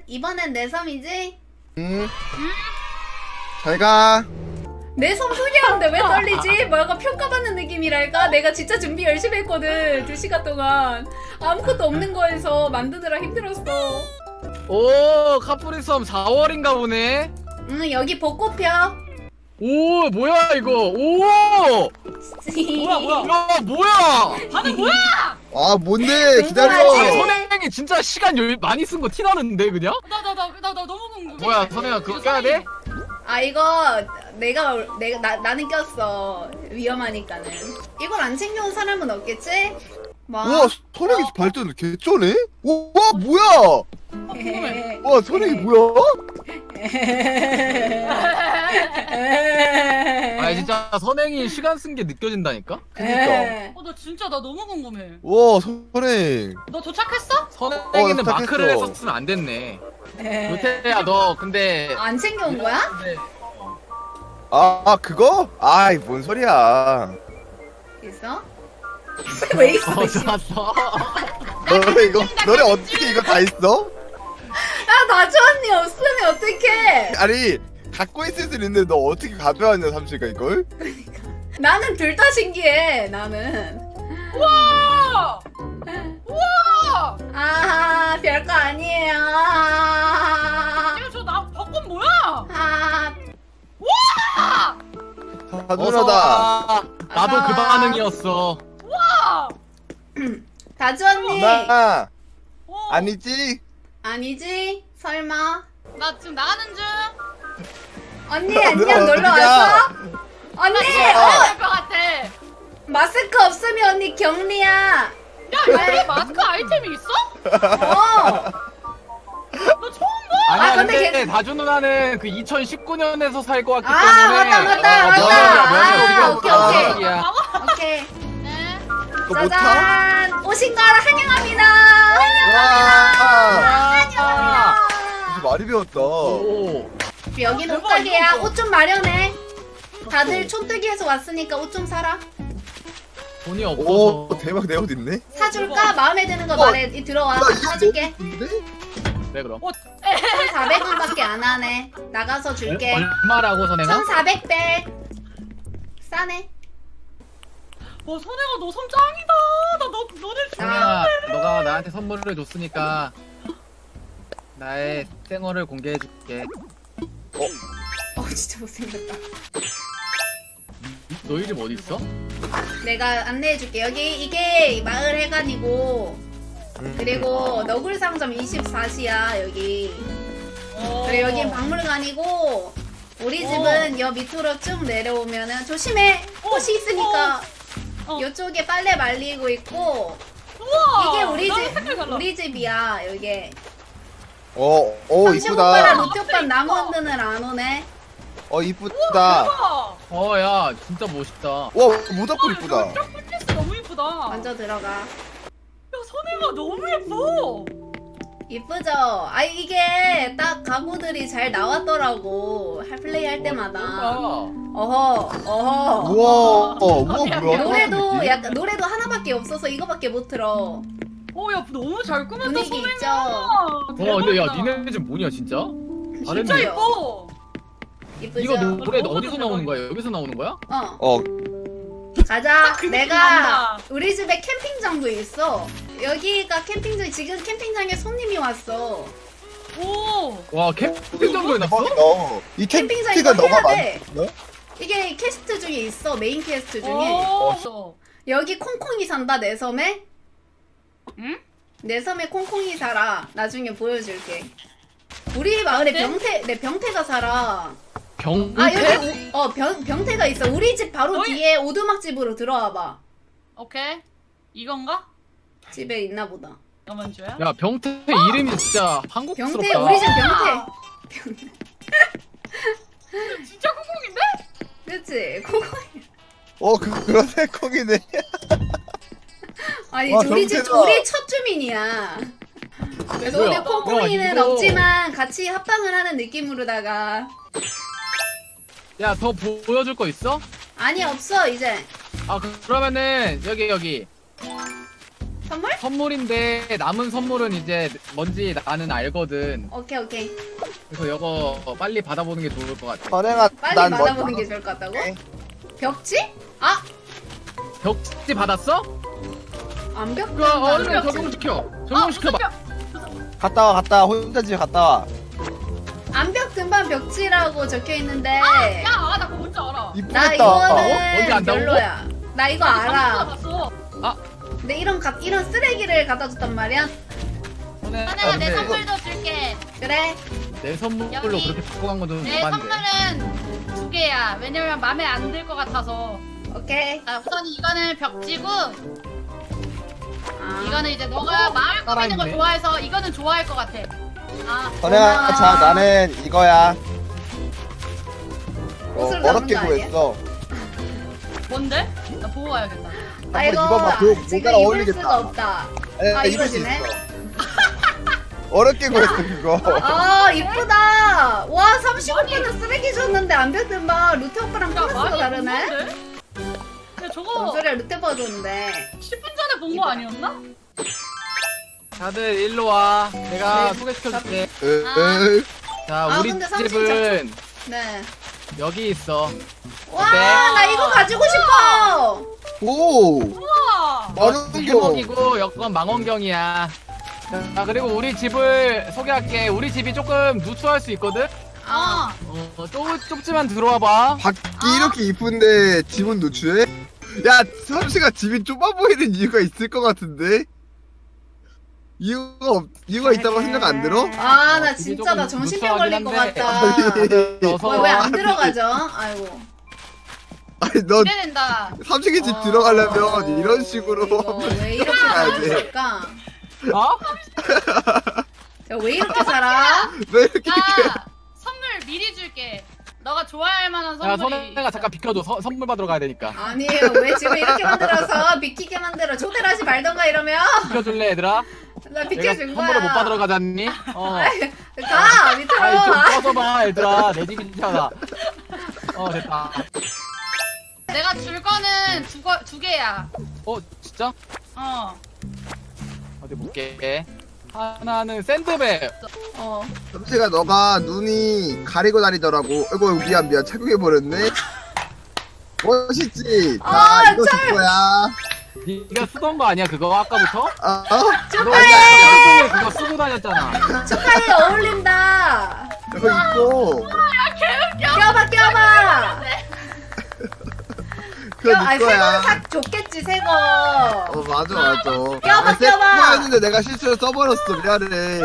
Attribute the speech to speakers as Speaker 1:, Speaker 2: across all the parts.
Speaker 1: 이번엔 내 섬이지?
Speaker 2: 잘가.
Speaker 1: 내 섬 소개하는데 왜 떨리지? 뭔가 평가받는 느낌이랄까? 내가 진짜 준비 열심히 했거든 2시간 동안 아무것도 없는 거에서 만드느라 힘들었어.
Speaker 3: 오 카프리섬 4월인가 보네.
Speaker 1: 여기 벚꽃 펴.
Speaker 3: 오 뭐야 이거. 오
Speaker 4: 뭐야?
Speaker 3: 야 뭐야.
Speaker 4: 다들 뭐야?
Speaker 2: 아 뭔데
Speaker 1: 아,
Speaker 2: 기다려.
Speaker 3: 선행이 진짜 시간 많이 쓴 거 티나는데 그냥?
Speaker 4: 나 너무 궁금해.
Speaker 3: 뭐야 선행아 그거 껴야 돼?
Speaker 1: 아 이거 나는 꼈어. 위험하니까는. 이걸 안 챙겨온 사람은 없겠지? 뭐?
Speaker 2: 우와 선행이 발전 개쩌네. 우와 뭐야?
Speaker 4: 궁금해.
Speaker 2: 와 선행이 뭐야?
Speaker 3: 아 진짜 선행이 시간 쓴 게 느껴진다니까?
Speaker 2: 그니까.
Speaker 4: 나 진짜 나 너무 궁금해.
Speaker 2: 와 선행.
Speaker 4: 너 도착했어?
Speaker 3: 선행이는
Speaker 2: 도착했어.
Speaker 3: 마크를 했었으면 안 됐네. 요태야 너 근데
Speaker 1: 안 챙겨온 거야?
Speaker 3: 근데
Speaker 2: 아 그거? 아이 뭔 소리야.
Speaker 1: 있어? 왜 있어?
Speaker 3: 좋았어.
Speaker 2: 너네 이거 너네 어떻게 이거 다 있어?
Speaker 1: 야 나주 언니 없으면 어떡해?
Speaker 2: 아니 갖고 있을 수 있는데 너 어떻게 가져왔냐 삼시가 이걸?
Speaker 1: 나는 둘 다 신기해. 나는.
Speaker 4: 우와! 우와!
Speaker 1: 아 별거 아니에요.
Speaker 4: 이거 저나 벚꽃 뭐야?
Speaker 1: 아
Speaker 2: 다 누나다.
Speaker 3: 나도 그
Speaker 1: 어서.
Speaker 3: 반응이었어.
Speaker 4: 우와!
Speaker 1: 다주 언니
Speaker 2: 나
Speaker 4: 어,
Speaker 2: 아니지?
Speaker 1: 아니지? 설마?
Speaker 4: 나 지금 나가는 중.
Speaker 1: 언니
Speaker 2: 야,
Speaker 1: 안녕
Speaker 2: 누나
Speaker 1: 놀러
Speaker 2: 어디가?
Speaker 1: 왔어? 언니
Speaker 4: 될것 같아.
Speaker 1: 마스크 없으면 언니 격리야.
Speaker 4: 야, 여기 마스크 아이템이 있어?
Speaker 1: 어.
Speaker 4: 너 처음 봐?
Speaker 3: 아니야
Speaker 1: 아, 근데
Speaker 3: 근데 다주 누나는 그 2019년에서 살 것 같기
Speaker 1: 아,
Speaker 3: 때문에
Speaker 1: 맞다, 맞다,
Speaker 3: 면역이야,
Speaker 1: 맞다.
Speaker 3: 면역.
Speaker 1: 아, 오케이,
Speaker 3: 면역이야.
Speaker 1: 오케이.
Speaker 4: 네.
Speaker 2: 그거 못 타?
Speaker 1: 짜잔 오신 걸 환영합니다.
Speaker 2: 와
Speaker 1: 환영합니다.
Speaker 2: 무슨 말이 배웠다.
Speaker 3: 오.
Speaker 1: 여기는
Speaker 4: 대박,
Speaker 1: 옷가게야.
Speaker 4: 이거
Speaker 1: 옷 좀 마련해. 다들 촌뜨기에서 왔으니까 옷 좀 사라.
Speaker 3: 돈이 없어서.
Speaker 2: 오 대박 내 옷 있네.
Speaker 1: 사줄까? 마음에 드는 거 말해. 들어와. 사줄게.
Speaker 2: 근데?
Speaker 3: 네 그럼.
Speaker 1: 1,400원밖에 안 하네. 나가서 줄게.
Speaker 3: 얼마라고 선행아?
Speaker 1: 1,400배. 싸네.
Speaker 4: 선혜가 너 손 짱이다. 너네
Speaker 3: 선행아 너가 나한테 선물을 줬으니까 나의 생얼을 공개해줄게.
Speaker 1: 진짜 못생겼다.
Speaker 3: 너 이름 어디 있어?
Speaker 1: 내가 안내해줄게. 여기 이게 마을 해관이고 그리고 너굴 상점 24시야 여기. 그리고 여긴 박물관이고 우리 집은 여 밑으로 쭉 내려오면은 조심해. 꽃이 있으니까 이쪽에 빨래 말리고 있고
Speaker 4: 우와!
Speaker 1: 이게 우리
Speaker 4: 나랑
Speaker 1: 집
Speaker 4: 색깔 달라.
Speaker 1: 우리 집이야 여기. 삼십 오빠랑
Speaker 2: 이쁘다.
Speaker 1: 루티 오빠 나무 흔드는 안 오네.
Speaker 2: 이쁘다.
Speaker 4: 대박!
Speaker 3: 야 진짜 멋있다.
Speaker 2: 와 모닥불 이쁘다.
Speaker 4: 쫙 너무 이쁘다.
Speaker 1: 먼저 들어가.
Speaker 4: 야, 선혜가 너무 예뻐.
Speaker 1: 이쁘죠? 아 이게 딱 가구들이 잘 나왔더라고. 플레이 할 때마다. 어허.
Speaker 2: 우와 우와 뭐야?
Speaker 1: 노래도 약간 노래도 하나밖에 없어서 이거밖에 못 들어.
Speaker 4: 야, 너무 잘 꾸몄다,
Speaker 1: 분위기
Speaker 4: 선혜가.
Speaker 1: 있죠?
Speaker 3: 근데 야
Speaker 4: 대박이다.
Speaker 3: 니네 집 뭐냐 진짜?
Speaker 4: 진짜
Speaker 3: 다른데요?
Speaker 4: 예뻐.
Speaker 1: 이쁘죠?
Speaker 3: 이거 노래
Speaker 4: 너무
Speaker 3: 어디서 나오는 거야? 여기서 나오는 거야?
Speaker 1: 가자.
Speaker 4: 그
Speaker 1: 내가
Speaker 4: 난다.
Speaker 1: 우리 집에 캠핑장도 있어. 여기가 캠핑장. 지금 캠핑장에 손님이 왔어.
Speaker 4: 오.
Speaker 3: 와 캠핑장도 해놨어?
Speaker 2: 이
Speaker 1: 캠핑장
Speaker 2: 텐트가
Speaker 1: 이거
Speaker 2: 너가
Speaker 1: 해야 돼.
Speaker 2: 만들었어?
Speaker 1: 이게 캐스트 중에 있어. 메인 캐스트 중에.
Speaker 4: 오.
Speaker 1: 여기 콩콩이 산다 내 섬에.
Speaker 4: 응?
Speaker 1: 내 섬에 콩콩이 살아. 나중에 보여줄게. 우리 마을에
Speaker 4: 병태?
Speaker 1: 내 병태가 살아.
Speaker 3: 병태?
Speaker 1: 아 여기 병태가 있어. 우리 집 바로
Speaker 4: 어이?
Speaker 1: 뒤에 오두막 집으로 들어와봐.
Speaker 4: 오케이. 이건가?
Speaker 1: 집에 있나 보다.
Speaker 4: 잠깐만 줘야.
Speaker 3: 야 병태 이름이 진짜 한국스럽다.
Speaker 1: 병태 우리 집 병태.
Speaker 4: 진짜 콩콩인데?
Speaker 1: 그치? 콩콩이.
Speaker 2: 그러네 콩이네.
Speaker 1: 아니
Speaker 2: 와,
Speaker 1: 우리 집
Speaker 2: 병태가.
Speaker 1: 우리 첫 주민이야. 그래서
Speaker 3: 뭐야?
Speaker 1: 오늘 콩콩이는
Speaker 3: 야, 이거.
Speaker 1: 없지만 같이 합방을 하는 느낌으로다가.
Speaker 3: 야 더 보여줄 거 있어?
Speaker 1: 아니 없어 이제.
Speaker 3: 아 그러면은 여기
Speaker 1: 선물?
Speaker 3: 선물인데 남은 선물은 이제 뭔지 나는 알거든.
Speaker 1: 오케이.
Speaker 3: 그래서 이거 빨리 받아보는 게 좋을 것 같아.
Speaker 2: 선행아
Speaker 1: 빨리
Speaker 2: 난
Speaker 1: 받아보는 게 좋을 것 같다고?
Speaker 2: 오케이.
Speaker 1: 벽지? 아!
Speaker 3: 벽지 받았어?
Speaker 1: 암벽?
Speaker 3: 그거 얼른 적용시켜. 적용시켜봐.
Speaker 2: 갔다 와 혼자 집에 갔다 와.
Speaker 1: 암벽 등반 벽지라고 적혀 있는데
Speaker 4: 야, 나 그거 뭔지 알아.
Speaker 1: 나
Speaker 2: 이쁘겠다.
Speaker 1: 이거는
Speaker 3: 뭔지 안다고?
Speaker 1: 별로야. 나 이거 알아.
Speaker 4: 봤어.
Speaker 1: 근데 이런 쓰레기를 갖다 줬단 말이야.
Speaker 4: 선혜가 내
Speaker 3: 근데
Speaker 4: 선물도 줄게.
Speaker 1: 그래.
Speaker 3: 내 선물로
Speaker 4: 여기
Speaker 3: 그렇게 바꿔 간 건좀
Speaker 4: 내
Speaker 3: 오반데.
Speaker 4: 선물은 2개야. 왜냐면 마음에 안 들 것 같아서.
Speaker 1: 오케이.
Speaker 4: 자, 우선 이거는 벽지고,
Speaker 1: 아.
Speaker 4: 이거는 이제 너가 마을 꾸미는 거
Speaker 3: 살아있네.
Speaker 4: 좋아해서 이거는 좋아할 것 같아. 아,
Speaker 2: 선행아
Speaker 1: 고마워.
Speaker 2: 자 나는 이거야.
Speaker 1: 옷을 담은
Speaker 2: 어렵게
Speaker 1: 거 아니야?
Speaker 2: 구했어.
Speaker 4: 뭔데? 나 보고 와야겠다.
Speaker 1: 아이고
Speaker 2: 한번 입어봐. 그
Speaker 1: 지금
Speaker 2: 모자랑
Speaker 1: 입을
Speaker 2: 어울리겠다.
Speaker 1: 수가 없다. 아,
Speaker 2: 입을 수
Speaker 1: 이거지네?
Speaker 2: 있어. 어렵게 구했어 그거.
Speaker 1: 아 이쁘다. 와 35분은 쓰레기 줬는데 암벽 등반 루테 오빠랑
Speaker 4: 야,
Speaker 1: 클래스가
Speaker 4: 많이
Speaker 1: 다르네.
Speaker 4: 없는데? 야,
Speaker 1: 뭔
Speaker 4: 저거
Speaker 1: 소리야 루테 오빠가 줬는데.
Speaker 4: 10분 전에 본 거 아니었나?
Speaker 3: 다들 일로 와. 내가 소개시켜줄게. 자,
Speaker 1: 아,
Speaker 3: 우리
Speaker 1: 근데 삼촌
Speaker 3: 집은
Speaker 1: 네.
Speaker 3: 여기 있어.
Speaker 1: 와
Speaker 3: 어때?
Speaker 1: 나 이거 가지고 싶어.
Speaker 2: 오.
Speaker 4: 우와!
Speaker 2: 많은 겨.
Speaker 3: 주먹이고 여건 망원경이야. 자, 그리고 우리 집을 소개할게. 우리 집이 조금 누추할 수 있거든?
Speaker 4: 어.
Speaker 3: 좁지만 들어와봐.
Speaker 2: 밖이 이렇게 이쁜데 집은 노출해? 야 삼시가 집이 좁아 보이는 이유가 있을 것 같은데? 이유가 있다고 생각 안 들어?
Speaker 1: 아 나
Speaker 3: 집이
Speaker 1: 진짜 나
Speaker 3: 조금
Speaker 1: 정신병 걸릴 것
Speaker 3: 무서워하긴
Speaker 1: 같다.
Speaker 3: 넣어서
Speaker 1: 왜 안 들어가죠? 아이고.
Speaker 2: 아니 너
Speaker 4: 기대된다.
Speaker 2: 삼식이 집 들어가려면 이런 식으로
Speaker 1: 이거 왜 이렇게
Speaker 2: 가야 돼.
Speaker 1: 살았을까?
Speaker 3: 어?
Speaker 1: 왜 이렇게 살아?
Speaker 2: 왜 이렇게
Speaker 4: 나 선물 미리 줄게. 너가 좋아할 만한
Speaker 3: 야,
Speaker 4: 선물이.
Speaker 3: 선혜가 잠깐 비켜줘. 선물 받으러 가야 되니까.
Speaker 1: 아니에요. 왜 집을 이렇게 만들어서 비키게 만들어? 초대를 하지 말던가 이러면
Speaker 3: 비켜줄래, 얘들아?
Speaker 1: 나
Speaker 3: 내가
Speaker 1: 비켜준 거야.
Speaker 3: 선물을 못 받으러 가잖니?
Speaker 1: 가 밑으로.
Speaker 3: 아이, 좀 꺼져봐, 얘들아. 내 집이잖아. 됐다.
Speaker 4: 내가 줄 거는 두 개야.
Speaker 3: 진짜?
Speaker 4: 어.
Speaker 3: 어디 볼게. 하나는 샌드백.
Speaker 2: 삼식아 너가 눈이 가리고 다니더라고. 아이고 미안 착용해버렸네. 멋있지?
Speaker 1: 아,
Speaker 2: 이거 줄 거야.
Speaker 3: 네가 쓰던 거 아니야, 그거 아까부터?
Speaker 2: 어?
Speaker 3: 축하해! 그거 쓰고 다녔잖아.
Speaker 1: 축하해 어울린다.
Speaker 2: 이거 입고
Speaker 1: 껴봐.
Speaker 2: 그거
Speaker 1: 아니
Speaker 2: 네
Speaker 1: 새 거는
Speaker 2: 거야.
Speaker 1: 사 줬겠지 새 거.
Speaker 2: 맞아
Speaker 1: 껴봐.
Speaker 2: 껴봐 내가 실수로 써버렸어 미안해.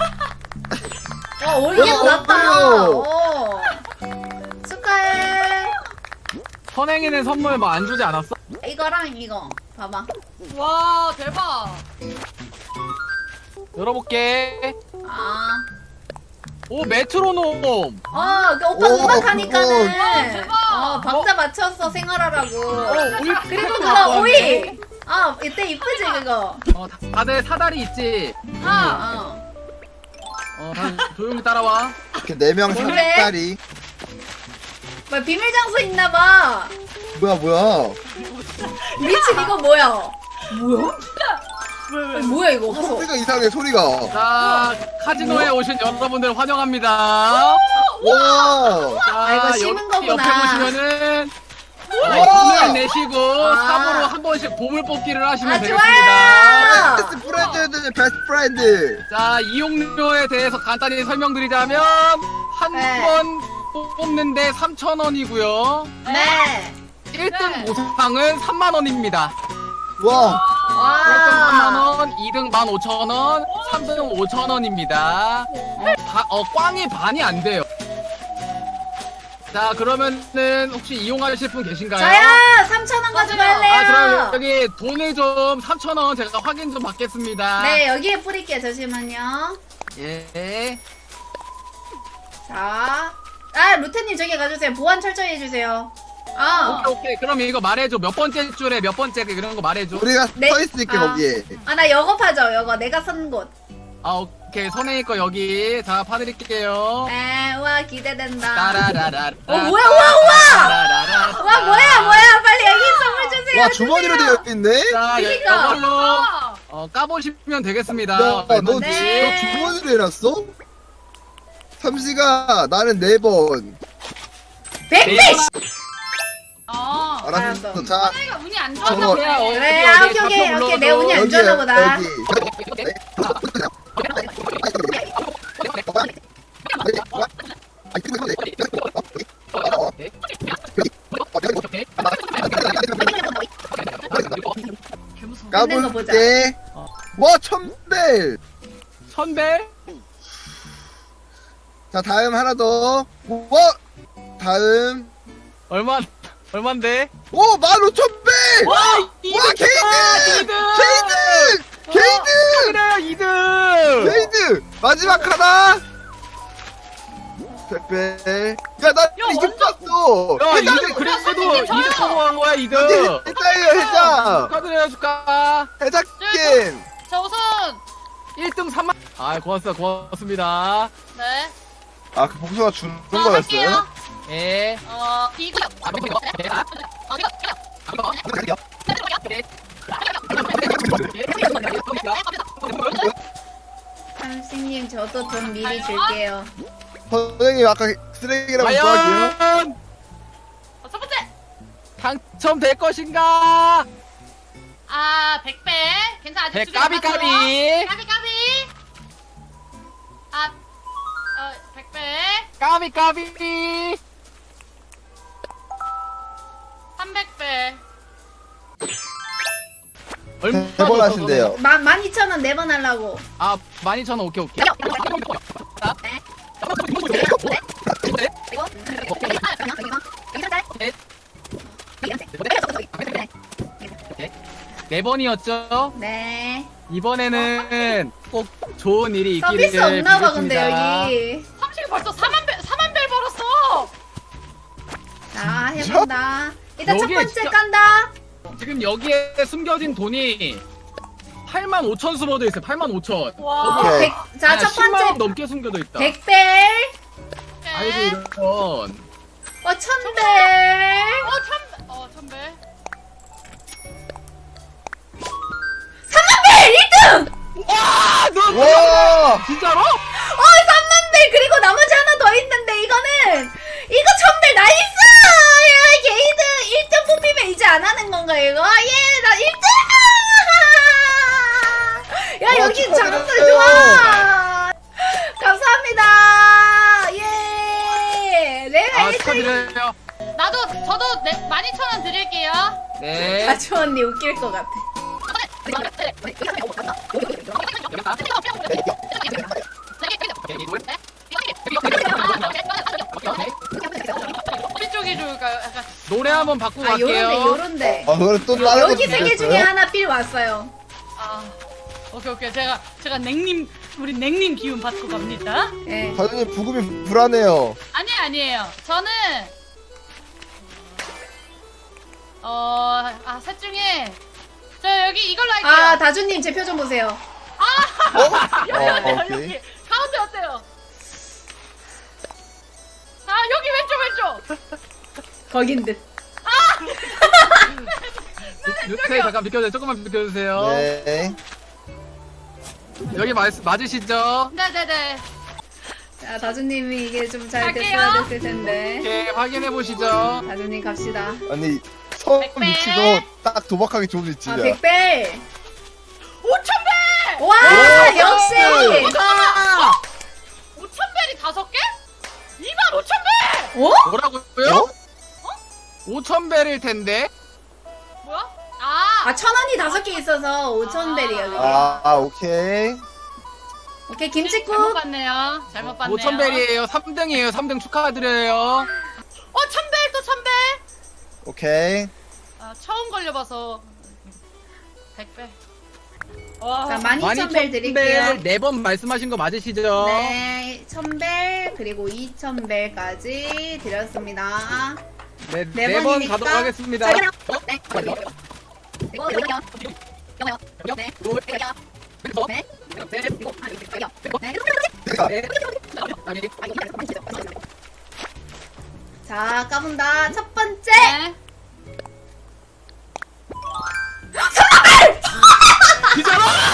Speaker 1: 어울리게
Speaker 2: 어,
Speaker 1: 났다.
Speaker 2: 어울려.
Speaker 1: 축하해.
Speaker 3: 선행이는 선물 뭐 안 주지 않았어?
Speaker 1: 이거랑 이거 봐봐.
Speaker 4: 와, 대박.
Speaker 3: 열어볼게.
Speaker 1: 아.
Speaker 3: 오, 메트로놈.
Speaker 1: 그 오빠
Speaker 2: 오,
Speaker 1: 음악하니까는
Speaker 4: 대박.
Speaker 1: 박자 맞춰서 생활하라고.
Speaker 3: 오이
Speaker 1: 그리고 그거 오이. 이때 이쁘지 그거.
Speaker 3: 다들 사다리 있지?
Speaker 1: 어.
Speaker 3: 다 조용히 따라와.
Speaker 2: 이렇게 4명
Speaker 1: 그래?
Speaker 2: 3짜리.
Speaker 1: 뭐 비밀 장소 있나 봐.
Speaker 2: 뭐야
Speaker 1: 미친 이거 뭐야? 뭐야 이거? 가서.
Speaker 2: 소리가 이상해 소리가.
Speaker 3: 자, 카지노에 오신 여러분들 환영합니다.
Speaker 2: 와.
Speaker 3: 자,
Speaker 1: 이거 심은
Speaker 3: 여기
Speaker 1: 거구나.
Speaker 3: 옆에 보시면은
Speaker 2: 우와.
Speaker 3: 돈을 내시고
Speaker 1: 아.
Speaker 3: 삽으로 한 번씩 보물 뽑기를 하시면
Speaker 1: 좋아요.
Speaker 3: 되겠습니다.
Speaker 2: 베스트 프렌드 베스트 프렌드.
Speaker 3: 자, 이용료에 대해서 간단히 설명드리자면 한
Speaker 1: 네.
Speaker 3: 번 뽑는데 3,000원이고요.
Speaker 1: 네.
Speaker 3: 1등 보상은 3만원입니다.
Speaker 2: 와.
Speaker 3: 1등
Speaker 1: 와.
Speaker 3: 3만원, 2등 15,000원, 3등 5,000원입니다. 꽝이 반이 안 돼요. 자, 그러면은 혹시 이용하실 분 계신가요?
Speaker 1: 저요 3,000원 가져갈래요.
Speaker 3: 그럼 여기 돈을 좀 3,000원 제가 확인 좀 받겠습니다.
Speaker 1: 네 여기에 뿌릴게요. 잠시만요.
Speaker 3: 예.
Speaker 1: 자. 루테님 저기 가주세요. 보안 철저히 해주세요.
Speaker 3: 오케이. 그럼 이거 말해줘. 몇 번째 줄에 몇 번째 그런 거 말해줘.
Speaker 2: 우리가
Speaker 1: 네.
Speaker 2: 서 있을게 거기에.
Speaker 1: 나 여겁하죠. 여거 내가 선 곳.
Speaker 3: 오케이. 선행이 거 여기. 자, 파드릴게요.
Speaker 1: 우와 기대된다.
Speaker 3: 따라라라.
Speaker 1: 뭐야 우와 뭐야 빨리 여기 선물 주세요.
Speaker 2: 와 주머니로 되어 있네.
Speaker 3: 자,
Speaker 1: 그니까.
Speaker 3: 이걸로 까보시면 되겠습니다.
Speaker 2: 야, 너
Speaker 1: 네.
Speaker 2: 주머니를 해놨어? 삼시가 나는 4번.
Speaker 1: 백배.
Speaker 2: 알았어.
Speaker 1: 알았어.
Speaker 2: 자,
Speaker 4: 내가 운이 안
Speaker 2: 저거-
Speaker 4: 좋아서 그래.
Speaker 1: 그래, 아, 오케이. 내 운이 안 좋아나 보다. 있는 거 보자.
Speaker 2: 까볼게. 와, 천벨.
Speaker 3: 천배?
Speaker 2: 자, 다음 하나 더. 와, 다음.
Speaker 3: 얼만데?
Speaker 2: 오, 15,000배. 와, 게이드. 게이드.
Speaker 3: 축하드려요 2등.
Speaker 2: 게이드. 마지막 하나. 백배. 야, 나 이거 봤어.
Speaker 3: 야
Speaker 2: 해장.
Speaker 3: 2등 그래도
Speaker 4: 선생님,
Speaker 3: 2등
Speaker 4: 저요.
Speaker 3: 성공한 거야 2등.
Speaker 2: 해장이에요, 해장.
Speaker 3: 축하드려요 축하.
Speaker 2: 해장 게임.
Speaker 4: 자 우선
Speaker 3: 1등 3만. 아 고맙습니다.
Speaker 4: 네.
Speaker 2: 아, 그 복수가 주는
Speaker 4: 자,
Speaker 2: 거였어요?
Speaker 4: 할게요.
Speaker 3: 예.
Speaker 4: 이거
Speaker 1: 삼식님 저도 돈 미리 줄게요.
Speaker 2: 선생님 아까 쓰레기라고 좋아할게요.
Speaker 3: 과연
Speaker 4: 첫 번째.
Speaker 3: 당첨될 것인가?
Speaker 4: 아 100배. 괜찮아 아직 두개
Speaker 3: 까비
Speaker 4: 남았어요.
Speaker 3: 까비.
Speaker 4: 까비. 아 100배.
Speaker 3: 까비 까비.
Speaker 4: 300배.
Speaker 3: 얼마
Speaker 2: 대본 하신대요.
Speaker 1: 12,000원 4번 하려고.
Speaker 3: 아 12,000원 오케이. 네 번이었죠?
Speaker 1: 네.
Speaker 3: 이번에는 꼭 좋은 일이 있기를
Speaker 1: 서비스 없나 봐 근데
Speaker 3: 빌겠습니다.
Speaker 1: 여기.
Speaker 4: 삼식이 벌써 4만 배 벌었어.
Speaker 1: 자 해본다. 일단 첫
Speaker 3: 여기에
Speaker 1: 번째
Speaker 3: 진짜-
Speaker 1: 깐다.
Speaker 3: 지금 여기에 숨겨진 돈이 85,000 숨어져 있어요. 85,000.
Speaker 4: 와.
Speaker 2: 오케이.
Speaker 1: 자 첫
Speaker 3: 10만 원
Speaker 1: 번째
Speaker 3: 넘게 숨겨져 있다.
Speaker 1: 100배.
Speaker 3: 아이고 이런.
Speaker 1: 1000배.
Speaker 4: 1000배.
Speaker 1: 3만배 1등.
Speaker 3: 와, 너
Speaker 2: 와!
Speaker 3: 진짜로?
Speaker 1: 3만배 그리고 나머지 하나 더 있는데 이거는 이거 1000배 나이스. 야 게이드 1등 뽑히면 이제 안 하는 건가 이거? 예나 1등. 야 여기
Speaker 2: 축하드려요.
Speaker 1: 장사 좋아. 감사합니다. 예. 내가
Speaker 3: 아
Speaker 1: 1등.
Speaker 3: 축하드려요.
Speaker 4: 저도 12,000원 드릴게요.
Speaker 3: 네.
Speaker 1: 가주 언니 웃길 것 같아.
Speaker 4: 어디 쪽이 좋을까요? 약간
Speaker 3: 노래 한번 바꾸고
Speaker 1: 아
Speaker 3: 갈게요.
Speaker 1: 요런데.
Speaker 2: 아, 그걸 또 다른
Speaker 1: 여기
Speaker 2: 것도
Speaker 1: 3개 중에
Speaker 2: 있겠어요?
Speaker 1: 하나 필 왔어요.
Speaker 4: 오케이 제가 우리 냉님 기운 받고 갑니다.
Speaker 1: 예.
Speaker 2: 사장님 부금이 불안해요.
Speaker 4: 아니에요. 저는 셋 중에 저 여기 이걸로 할게요.
Speaker 1: 아 다주님 제 표 좀 보세요.
Speaker 2: 오케이.
Speaker 4: 여기 가운데 어때요? 아 여기 왼쪽.
Speaker 1: 거긴 듯.
Speaker 3: 뉴스에 잠깐 비켜주세요. 조금만 비켜주세요.
Speaker 2: 네.
Speaker 3: 여기 맞으시죠?
Speaker 4: 네네네.
Speaker 1: 자 다주님이 이게 좀 잘
Speaker 4: 갈게요.
Speaker 1: 됐어야 됐을 텐데.
Speaker 3: 이렇게 확인해 보시죠.
Speaker 1: 다주님 갑시다.
Speaker 2: 아니, 처음
Speaker 4: 백배.
Speaker 2: 위치도 딱 도박하기 좋은
Speaker 1: 아
Speaker 2: 위치야.
Speaker 1: 100배.
Speaker 4: 5,000배.
Speaker 1: 와
Speaker 2: 오,
Speaker 1: 역시.
Speaker 2: 아!
Speaker 4: 5,000배이 5개? 25,000배.
Speaker 1: 어?
Speaker 3: 뭐라고요? 5,000배일 텐데.
Speaker 4: 뭐야?
Speaker 1: 아 1,000원이 5개 있어서 5,000배리야 그게.
Speaker 2: 아, 오케이.
Speaker 1: 오케이
Speaker 4: 잘못
Speaker 1: 김치국.
Speaker 4: 봤네요. 잘못 봤네요.
Speaker 3: 5,000배이에요. 3등이에요. 3등 축하드려요.
Speaker 4: 1,000배 또 1,000배.
Speaker 2: 오케이.
Speaker 4: 처음 걸려봐서 100배. 와.
Speaker 1: 자 12,000벨 드릴게요.
Speaker 3: 4번 말씀하신 거 맞으시죠?
Speaker 1: 네 1,000벨 그리고 2,000벨까지 드렸습니다.
Speaker 3: 네,
Speaker 1: 네
Speaker 3: 4번
Speaker 1: 번이니까.
Speaker 3: 가도록 하겠습니다.
Speaker 1: 자, 네. 이거 여기요. 영어요. 네. 자 까본다. 첫 번째.
Speaker 4: 네.
Speaker 3: 진짜로?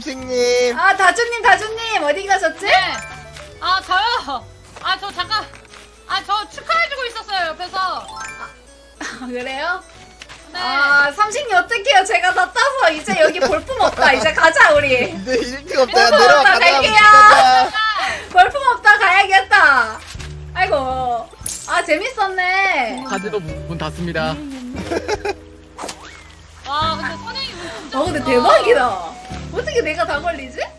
Speaker 2: 삼식님.
Speaker 1: 아 다주님 어디 가셨지?
Speaker 4: 네. 아 저요. 아 저 잠깐. 아 저 축하해주고 있었어요 옆에서.
Speaker 1: 아, 그래요?
Speaker 4: 네.
Speaker 1: 아 삼식님 어떡해요? 제가 다 따서 이제 여기 볼품 없다. 이제 가자 우리.
Speaker 2: 이제 1등 없다. 야,
Speaker 1: 어,
Speaker 2: 내려와
Speaker 1: 나
Speaker 2: 가자.
Speaker 1: 갈게요.
Speaker 2: 가자.
Speaker 1: 볼품 없다 가야겠다. 아이고. 아 재밌었네.
Speaker 3: 카지노 문 닫습니다.
Speaker 4: 와 근데 선행이 진짜.
Speaker 1: 어 근데
Speaker 4: 좋다.
Speaker 1: 대박이다. 어떻게 내가 다 걸리지?